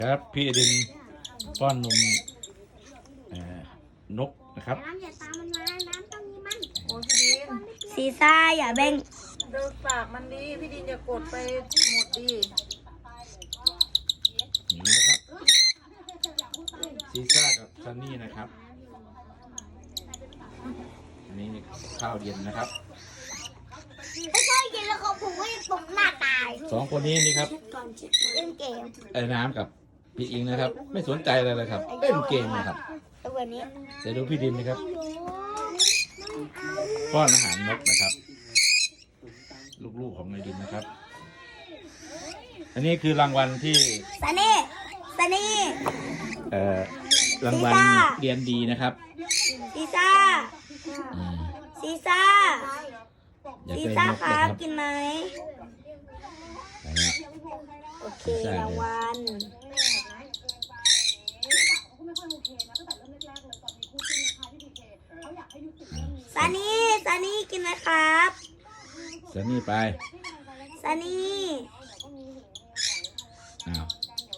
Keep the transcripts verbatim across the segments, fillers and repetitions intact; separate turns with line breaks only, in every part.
ครับพี่อดินป้อนนมนกนะครับ
น้ำอย่าตามมันมาน้ำต้องมีมัน
โอ้พี่ดิน
ซีซ่าอย่าแบ่ง
เดินปากมันดีพี่ดินอย่ากดไปหมดดี
นี่นะครับซีซ่ากับซันนี่นะครับอันนี้ข้าวเย็นนะครับ
ไม่ใช่เย็นแล้วเขาผมก็จะตกหน้าตาย
สองคนนี้นี่ครับ
เล่นเกม
ไอ้น้ำกับพี่อิงนะครับ ไม่สนใจอะไรเลยครับเล่นเกมนะครับ
วันนี้
เดี๋ยวดูพี่ดินนะครับป้อนอาหารนกนะครับลูกๆของนายดินนะครับอันนี้คือรางวัลที่
ซันนี่ซันนี่
เอ่อรางวัลเรียนดีนะครับ
ซีซ่าซีซ่าซีซ่าครับกินไหมโอเครางวัลซันนี่ซันนี่กินไหมครับ
ซันนี่ไป
ซันนี่
อ้าว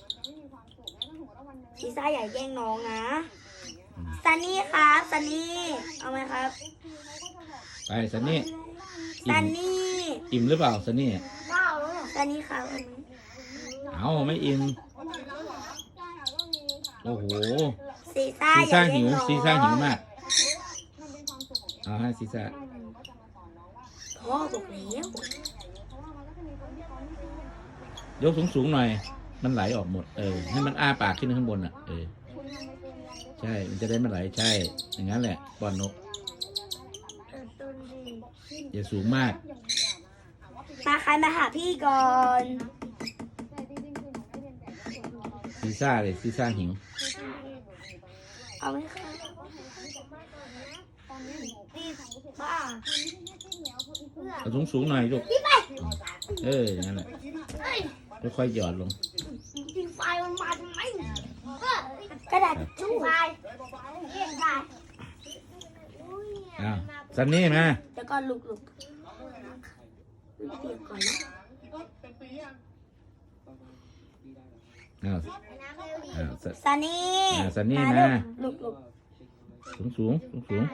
ซีซ่าอย่าแย่งน้องนะซันนี่ครับซันนี่เอาไหมครับ
ไปซันนี่
ซันนี่
อิ่มหรือเปล่าซันนี่
ซันนี่ครับ
เอาไม่อิ่มโอ้โห
ซีซ่า
ซีซ่าหิวซีซ่าหิวมากเอาให้ซีซ่า
พ่อบอกแล้ว
ยกสูงๆหน่อยมันไหลออกหมดเออให้มันอ้าปากขึ้นข้างบนอ่ะเออใช่มันจะได้ไม่ไหลใช่อย่างนั้นแหละป้อนนกอย่าสูงมาก
มาใครมาหาพี่ก่อน
ซีซ่าเลยซีซ่าหิว
เอาไหมคะบ้า
เอาสูงสูงหน่อยลูกเอออย่างนั้นแหละค่อยๆหยอดลง
ดินไฟมันมาทำไมกระดาษชู่ไฟเย็นไฟ
อ้าวซันนี่มา
เดี๋ยวก่อนลุกลุกเปียกก่อนนะ
อ้าวอ้าว
ซันนี่
ซันนี่มา
ลุกลุก
สูงสูงสูงสูง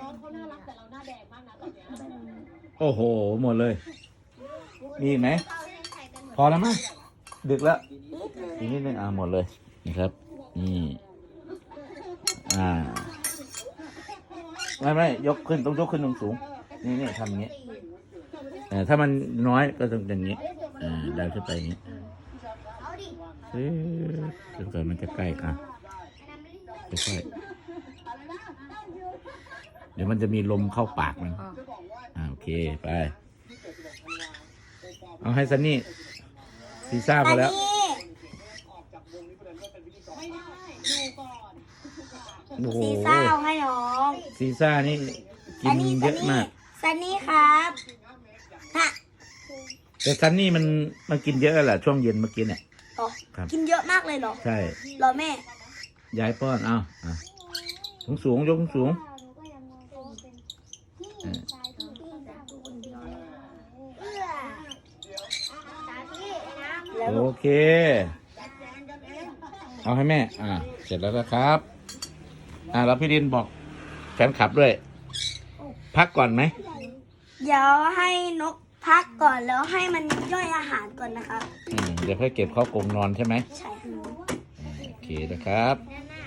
โอ้โหหมดเลยมีไหมพอแล้วมั้งดึกแล้วอีกนิดนึงอ่าหมดเลยนี่ครับนี่อ่าไม่ไม่ยกขึ้นต้องยกขึ้นตรงสูงนี่นี่ทำอย่างนี้เออถ้ามันน้อยก็ต้องอย่างนี้อ่าดันขึ้นไปอย่างนี้เอ๊ะจนกว่ามันจะใกล้อ่ะค่อยๆเดี๋ยวมันจะมีลมเข้าปากมันอ่าโอเคไปเอาให้ซันนี่ซีซ่าพอแล้วโอ้โห
ซีซ่าเอาให้น้อง
ซีซ่านี่กินเยอะมาก
ซันนี่ครับฮะ
แต่ซันนี่มันมันกินเยอะแหละช่วงเย็นเมื่อกี้เนี่ย
กินเยอะมากเลยเหรอ
ใช่
รอแม่
ยายป้อนเอาอ่ะสูงสูงยกสูงโอเคเอาให้แม่อ่าเสร็จแล้วนะครับอ่าแล้วพี่ดินบอกแฟนคลับด้วยพักก่อนไหม
เดี๋ยวให้นกพักก่อนแล้วให้มันย่อยอาหารก่อนนะครับ
อืมเดี๋ยวค่อยเก็บเข้ากรงนอนใช่ไหม
ใช่
โอเคนะครับ